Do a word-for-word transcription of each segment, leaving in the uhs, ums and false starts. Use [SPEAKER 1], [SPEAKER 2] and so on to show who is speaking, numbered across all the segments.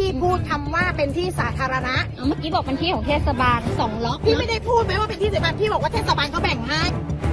[SPEAKER 1] พูดคำว่าเป็นที่สาธารณะ
[SPEAKER 2] เมื่อกี้บอกเป็นที่ของเทศบาลสองล็อก
[SPEAKER 1] พี่ไม่ได้พูดไหมว่าเป็นที่สาธารณะพี่บอกว่าเทศบาลเขาแบ่งให้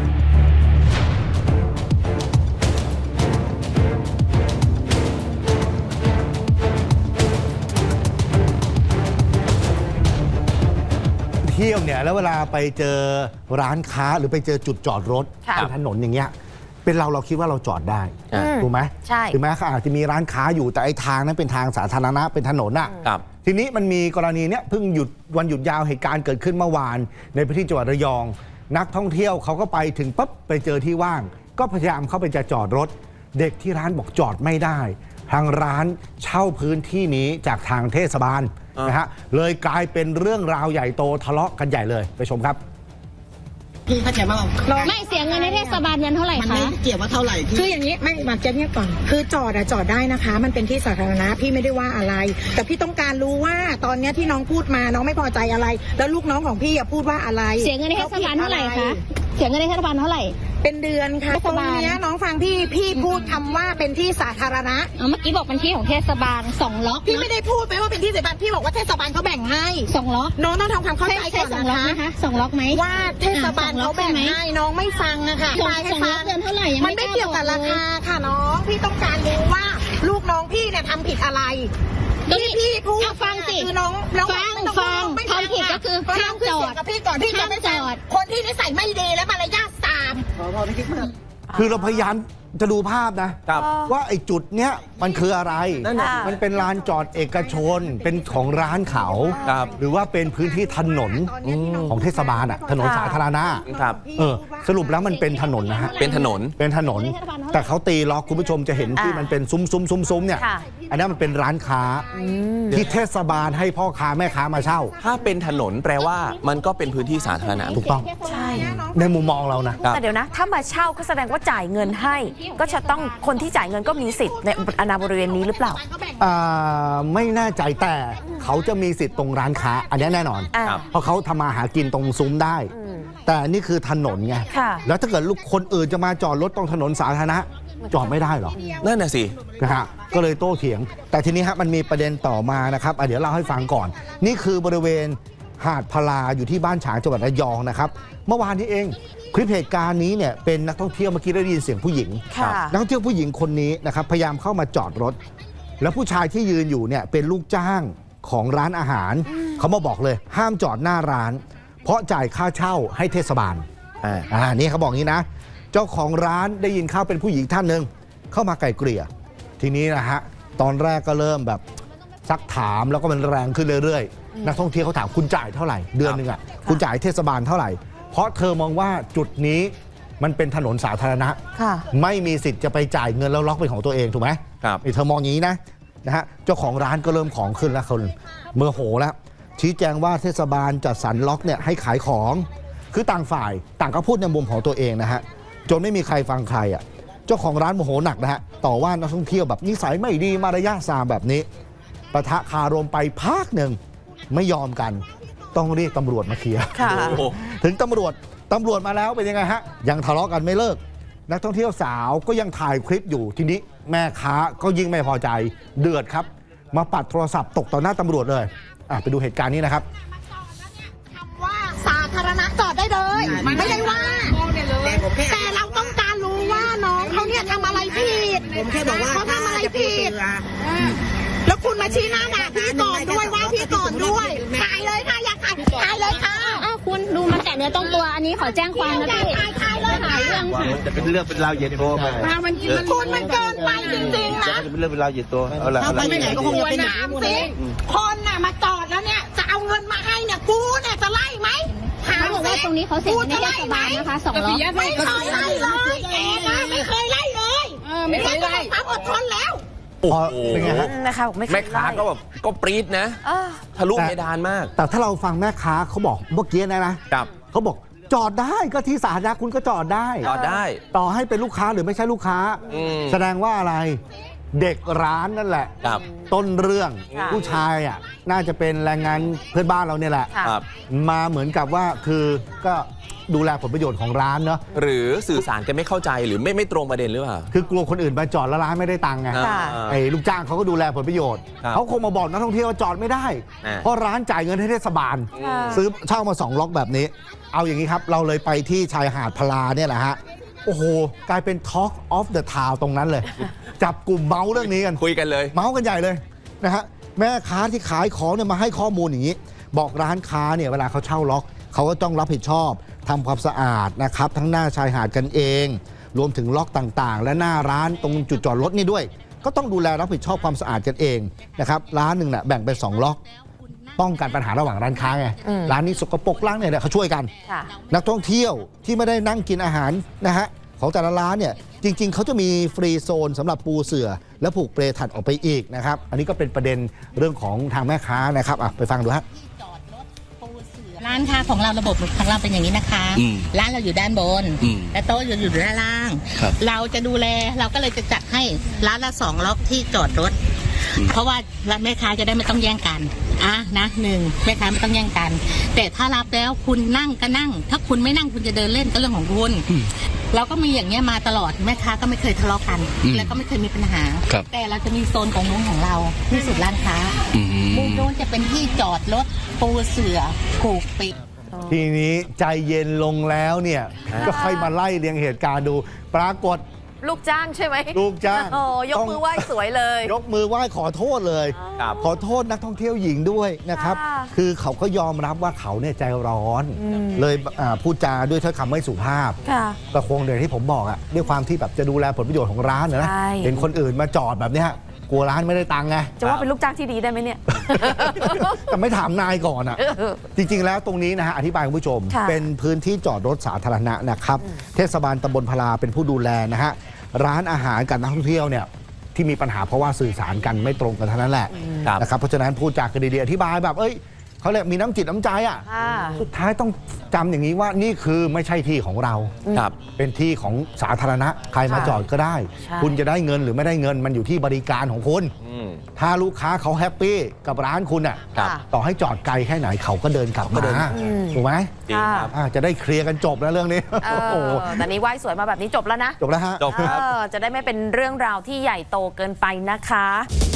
[SPEAKER 3] เที่ยวเนี่ยแล้วเวลาไปเจอร้านค้าหรือไปเจอจุดจอดรถเป็นถนนอย่างเงี้ยเป็นเราเราคิดว่าเราจอดได้ถูกไหม
[SPEAKER 4] ใช่
[SPEAKER 3] ถึงแม้เขาอาจจะมีร้านค้าอยู่แต่ไอ้ทางนั้นเป็นทางสาธารณะเป็นถนนอ่ะทีนี้มันมีกรณีเนี้ยเพิ่งหยุดวันหยุดยาวเหตุการณ์เกิดขึ้นเมื่อวานในพื้นที่จังหวัดระยองนักท่องเที่ยวเขาก็ไปถึงปั๊บไปเจอที่ว่างก็พยายามเข้าไปจะจอดรถเด็กที่ร้านบอกจอดไม่ได้ทางร้านเช่าพื้นที่นี้จากทางเทศบาลนะฮะเลยกลายเป็นเรื่องราวใหญ่โตทะเลาะกันใหญ่เลยไปชมครับ
[SPEAKER 1] พี่เข้าใจไหมว่า
[SPEAKER 2] ไม่เสียเงินในเทศบาลเงินเท่าไหร่คะ
[SPEAKER 1] มันไม่เกี่ยวว่าเท่าไหร่พี่คืออย่างนี้ไม่มาเจ๊เนี่ยก่อนคือจอดอะจอดได้นะคะมันเป็นที่สาธารณะพี่ไม่ได้ว่าอะไรแต่พี่ต้องการรู้ว่าตอนนี้ที่น้องพูดมาน้องไม่พอใจอะไรแล้วลูกน้องของพี่อะพูดว่าอะไร
[SPEAKER 2] เสียเงินในเทศบาลเท่าไหร่คะเสียเงินในเทศบาลเท่าไหร่
[SPEAKER 1] เป็นเดือนค่ะตรงนี้น้องฟังพี่พี่พูดคำว่าเป็นที่สาธารณะ
[SPEAKER 2] เมื่อกี้บอกเป็นที่ของเทศบาลสองล็อก
[SPEAKER 1] พี่ไม่ได้พูดไปว่าเป็นที่สาธารณะพี่บอกว่าเทศบาลเขาแบ่งให้
[SPEAKER 2] สองล็อก
[SPEAKER 1] น้องต้องทำความเข้าใจก่อน
[SPEAKER 2] นะคะสองล็อกไหม
[SPEAKER 1] ว่าเทศบาลเขาแบ่งให้น้องไม่ฟังนะคะ
[SPEAKER 2] สองล็อกเดือนเท่าไหร่
[SPEAKER 1] มันไม่เกี่ยวกับราคาค่ะน้องพี่ต้องการรู้ว่าลูกน้องพี่เนี่ยทำผิดอะไรพี่พี่พูด
[SPEAKER 2] ฟังสิ
[SPEAKER 1] คือน้องน้อง
[SPEAKER 2] ฟังฟังทำผิดก็คือห้ามจอด
[SPEAKER 1] กับพี่ก่อนพี่จะไม่จอดคนที่นิสัยไม่ดีและมารยาทตาม
[SPEAKER 3] คือเราพยายามจะดูภาพนะว่าไอ้จุดเนี้ยมันคืออะไรมันเป็นลานจอดเอกชนเป็นของร้านเขาหรือว่าเป็นพื้นที่ถนนของเทศบาลอ่ะถนนสาธารณะเออสรุปแล้วมันเป็นถนนนะฮะ
[SPEAKER 5] เป็นถนน
[SPEAKER 3] เป็นถนนแต่เขาตีล็อกคุณผู้ชมจะเห็นที่มันเป็นซุ้มซุ้มซุ้มซุ้มเนี่ยอันนี้มันเป็นร้านค้าที่เทศบาลให้พ่อค้าแม่ค้ามาเช่า
[SPEAKER 5] ถ้าเป็นถนนแปลว่ามันก็เป็นพื้นที่สาธารณะ
[SPEAKER 3] ถูกต้อง
[SPEAKER 4] ใช่
[SPEAKER 3] ในมุมมองเรานะ
[SPEAKER 4] แต่เดี๋ยวนะถ้ามาเช่าก็แสดงว่าจ่ายเงินให้ก็จะต้องคนที่จ่ายเงินก็มีสิทธิ์ในอาณาบริเวณนี้หรือเปล่า
[SPEAKER 3] ไม่แน่ใจแต่เขาจะมีสิทธิ์ตรงร้านค้าอันนี้แน่นอนเพราะเขาทำมาหากินตรงซุ้มได้แต่นี่คือถนนไงแล้วถ้าเกิดลูกคนอื่นจะมาจอดรถตรงถนนสาธารณะจอดไม่ได้หรอ
[SPEAKER 5] นั่นน่ะสิ
[SPEAKER 3] นะฮะก็เลยโต้เถียงแต่ทีนี้ฮะมันมีประเด็นต่อมานะครับเดี๋ยวเล่าให้ฟังก่อนนี่คือบริเวณหาดพลาอยู่ที่บ้านฉางจังหวัดระยองนะครับเมื่อวานนี้เองคลิปเหตุการณ์นี้เนี่ยเป็นนักท่องเที่ยวเมื่อกี้ได้ยินเสียงผู้หญิงนักท่องเที่ยวผู้หญิงคนนี้นะครับพยายามเข้ามาจอดรถแล้วผู้ชายที่ยืนอยู่เนี่ยเป็นลูกจ้างของร้านอาหารเขามาบอกเลยห้ามจอดหน้าร้านเพราะจ่ายค่าเช่าให้เทศบาลอ่านี่เขาบอกงี้นะเจ้าของร้านได้ยินเข้าเป็นผู้หญิงท่านหนึ่งเข้ามาไกล่เกลี่ยทีนี้นะฮะตอนแรกก็เริ่มแบบซักถามแล้วก็มันแรงขึ้นเรื่อยๆนักท่องเที่ยวเขาถามคุณจ่ายเท่าไหร่เดือนหนึ่งอ่ะคุณจ่ายเทศบาลเท่าไหร่เพราะเธอมองว่าจุดนี้มันเป็นถนนสาธารณะไม่มีสิทธิ์จะไปจ่ายเงินแล้วล็อกเป็นของตัวเองถูกไหมครับเธอมองอย่างนี้นะนะฮะเจ้าของร้านก็เริ่มของขึ้นแล้วคนเมื่อโหแล้วชี้แจงว่าเทศบาลจัดสรรล็อกเนี่ยให้ขายของคือต่างฝ่ายต่างก็พูดในมุมของตัวเองนะฮะจนไม่มีใครฟังใครอ่ะเจ้าของร้านโมโหหนักนะฮะต่อว่านักท่องเที่ยวแบบนิสัยไม่ดีมารยาทซามแบบนี้ปะทะคารมไปพักหนึ่งไม่ยอมกันต้องเรียกตำรวจมาเคลียร์ถึงตำรวจตำรวจมาแล้วเป็นยังไงฮะยังทะเลาะกันไม่เลิกนักท่องเที่ยวสาวก็ยังถ่ายคลิปอยู่ทีนี้แม่ค้าก็ยิ่งไม่พอใจเดือดครับมาปัดโทรศัพท์ตกต่อหน้าตำรวจเลยอ่ะไปดูเหตุการณ์นี้นะครับ
[SPEAKER 1] คำว่าสาธารณะจอดได้เลยไม่ได้ว่าแต่เราต้องการรู้ว่าน้องเขาเนี่ยทำอะไรผิดผมแค่บอกว่าเขาทำอะไรผิดแล้วคุณมาชี้หน้าด่าพี่ก่อนด้วยว่าพี่ก่อนด้วยถ่ายเลยค่ะอยากถ่ายถ่ายเลยค่ะ
[SPEAKER 2] อ้าวคุณดูมันแตะเนื้อต้องตัวอันนี้ขอแจ้งความนะพี่
[SPEAKER 1] ถ่ายถ่ายเลยถ่ายเรื่อง
[SPEAKER 6] จะเป็นเรื่องเป็นราวเย็นโตไป
[SPEAKER 1] คุณมันเกินไปจริงๆนะ
[SPEAKER 6] จะเป็นเรื่องเป็นราวเย็นโตเอาละ
[SPEAKER 1] เอาไปไหนก็คงจะเป็นน้ำสิคนน่ะมาจอดแล้วเนี่ยจะเอาเงินมาให้เนี่ยกูเนี่ยจะไล่ไหม
[SPEAKER 2] เขาบอกว่าตรงนี้เขาเสียในเทศบาลนะคะสองล้อ
[SPEAKER 1] ไม่เคยไล่เลยแกนะไม่เคยไล่เลยไม่เคยไล่ความอดทนแล้ว
[SPEAKER 3] เป็นไงฮะ
[SPEAKER 5] แม่ค้าก็แบบก็ปรี๊ดนะทะลุเพดานมาก
[SPEAKER 3] แต่ถ้าเราฟังแม่ค้าเขาบอกเมื่อกี้นะนะเขาบอกจอดได้ก็ที่สาธารณะคุณก็จอดได้
[SPEAKER 5] จอดได้
[SPEAKER 3] ต่อให้เป็นลูกค้าหรือไม่ใช่ลูกค้าแสดงว่าอะไรเด็กร้านนั่นแหละ
[SPEAKER 5] ครับ
[SPEAKER 3] ต้นเรื่อง
[SPEAKER 4] ค่ะ
[SPEAKER 3] ผู้ชายอ่ะน่าจะเป็นแรงงานเพื่อนบ้านเราเนี่ยแหละ
[SPEAKER 4] ค่ะ
[SPEAKER 5] ครับ
[SPEAKER 3] มาเหมือนกับว่าคือก็ดูแลผลประโยชน์ของร้านเนาะ
[SPEAKER 5] หรือสื่อสารกันไม่เข้าใจหรือไม่ไม่ตรงประเด็นหรือเปล่า
[SPEAKER 3] คือกลัวคนอื่นมาจอดแล้วร้านไม่ได้ตังค์ไง
[SPEAKER 4] ค่ะ
[SPEAKER 3] ไอ้ลูกจ้างเขาก็ดูแลผลประโยชน์
[SPEAKER 5] ครับ
[SPEAKER 3] เขาคงมาบอกนักท่องเที่ยวว่าจอดไม่ได้
[SPEAKER 5] อ่า
[SPEAKER 3] เพราะร้านจ่ายเงินให้เทศบาล
[SPEAKER 4] ค่ะ
[SPEAKER 3] ซื้อเช่ามาสองล็อกแบบนี้ เอาอย่างนี้ครับ เราเลยไปที่ชายหาดพลาเนี่ยแหละฮะ โอ้โห กลายเป็น Talk of the Town ตรงนั้นเลย จับกลุ่มเมาส์เรื่องนี้กัน
[SPEAKER 5] คุยกันเลย
[SPEAKER 3] เมาส์กันใหญ่เลยนะฮะแม่ค้าที่ขายของเนี่ยมาให้ข้อมูลอย่างนี้ บอกร้านค้าเนี่ยเวลาเขาเช่าล็อกเขาก็ต้องรับผิดชอบทำความสะอาดนะครับทั้งหน้าชายหาดกันเอง รวมถึงล็อกต่างๆ และหน้าร้านตรงจุดจอดรถนี่ด้วย ก็ต้องดูแลรับผิดชอบความสะอาดกันเองนะครับร้านหนึ่งน่ะแบ่งเป็นสองล็อก ป้องกันปัญหาระหว่างร้านค้าไง
[SPEAKER 4] อืม
[SPEAKER 3] ร้านนี้สกปรกร้านเนี่ยเขาช่วยกัน
[SPEAKER 4] ค่ะ
[SPEAKER 3] นักท่องเที่ยวที่ไม่ได้นั่งกินอาหารนะฮะของแต่ละร้านเนี่ยจริง ๆ เขาจะมีฟรีโซนสำหรับปูเสื่อ และผูกเปลถัดออกไปอีกนะครับ อันนี้ก็เป็นประเด็นเรื่องของทางแม่ค้านะครับอ่ะไปฟังดูฮะ
[SPEAKER 7] ร้านค้าของเราระบบของเราเป็นอย่างนี้นะคะ
[SPEAKER 6] อืม
[SPEAKER 7] ร้านเราอยู่ด้านบน
[SPEAKER 6] อืม
[SPEAKER 7] และโต๊ะอยู่อยู่ด้านล่าง
[SPEAKER 6] ครับ
[SPEAKER 7] เราจะดูแลเราก็เลยจะจัดให้ร้านละสองล็อกที่จอดรถ เพราะว่าแม่ค้าจะได้ไม่ต้องแย่งกันอ่ะนะหนึ่งแม่ค้าไม่ต้องแย่งกัน แต่ถ้ารับแล้วคุณนั่งก็นั่ง ถ้าคุณไม่นั่งคุณจะเดินเล่นก็เรื่องของคุณเราก็มีอย่างเงี้ยมาตลอดแม่ค้าก็ไม่เคยทะเลาะกัน
[SPEAKER 6] อืม
[SPEAKER 7] แล้วก็ไม่เคยมีปัญหา
[SPEAKER 6] ครับ
[SPEAKER 7] แต่เราจะมีโซนของมุ้งของเราที่สุดร้านค้า
[SPEAKER 6] อืม
[SPEAKER 7] มุมนู้นจะเป็นที่จอดรถปูเสื่อผูกปิด
[SPEAKER 3] ทีนี้ใจเย็นลงแล้วเนี่ยก็ค่อยมาไล่เรียงเหตุการณ์ดู ปรากฏ
[SPEAKER 4] ลูกจ้างใช่ไหม
[SPEAKER 3] ลูกจ้าง
[SPEAKER 4] โอ้ยกมือไหว้สวยเลย
[SPEAKER 3] ยกมือไหว้ขอโทษเลย
[SPEAKER 5] ครับ
[SPEAKER 3] ขอโทษนักท่องเที่ยวหญิงด้วยนะครับ
[SPEAKER 4] ค่ะ
[SPEAKER 3] คือเขาก็ยอมรับว่าเขาเนี่ยใจร้อน
[SPEAKER 4] อืม
[SPEAKER 3] เลยอ่าพูดจาด้วยถ้อยคำไม่สุภาพ
[SPEAKER 4] ค่ะ
[SPEAKER 3] ก็คงเดี๋ยวที่ผมบอกอะด้วยความที่แบบจะดูแลผลประโยชน์ของร้านนะนะ
[SPEAKER 4] ใช่
[SPEAKER 3] เห็นคนอื่นมาจอดแบบเนี้ยกลัวร้านไม่ได้ตังค์ไง
[SPEAKER 4] จะว่าเป็นลูกจ้างที่ดีได้ไหมเนี่ย
[SPEAKER 3] แต่ไม่ถามนายก่อนอะจริง ๆ แล้วตรงนี้นะฮะอธิบายคุณผู้ชม
[SPEAKER 4] ค่ะ
[SPEAKER 3] เป็นพื้นที่จอดรถสาธารณะนะครับ เทศบาลตำบลพลาเป็นผู้ดูแลนะฮะร้านอาหารกับนักท่องเที่ยวเนี่ยที่มีปัญหาเพราะว่าสื่อสารกันไม่ตรงกันเท่านั้นแหละ
[SPEAKER 5] ครับ
[SPEAKER 3] นะครับเพราะฉะนั้นพูดจากกันดีๆอธิบายแบบเอ้ยเขาเรียกมีน้ำจิตน้ำใจอ่ะ
[SPEAKER 4] ค่ะ
[SPEAKER 3] สุดท้ายต้องจำอย่างนี้ว่านี่คือไม่ใช่ที่ของเรา
[SPEAKER 5] ครับ
[SPEAKER 3] เป็นที่ของสาธารณะใครมา
[SPEAKER 4] ค่ะ
[SPEAKER 3] จอดก็ได้
[SPEAKER 4] ใช่
[SPEAKER 3] คุณจะได้เงินหรือไม่ได้เงินมันอยู่ที่บริการของคุณ
[SPEAKER 5] อืม
[SPEAKER 3] ถ้าลูกค้าเขาแฮปปี้กับร้านคุณอ่ะ
[SPEAKER 5] ครับ
[SPEAKER 3] ต่อให้จอดไกลแค่ไหนเขาก็เดินกลับมา
[SPEAKER 4] อืม
[SPEAKER 3] ถูกไหม
[SPEAKER 5] จริงครับ
[SPEAKER 3] อ่าจะได้เคลียร์กันจบแล้วเรื่องนี้
[SPEAKER 4] เอ
[SPEAKER 3] โอ้โห
[SPEAKER 4] อแต่นี้ไหว้สวยมาแบบนี้จบแล้วนะ
[SPEAKER 3] จบแล้วฮะ
[SPEAKER 5] จบครับ
[SPEAKER 4] เออจะได้ไม่เป็นเรื่องราวที่ใหญ่โตเกินไปนะคะ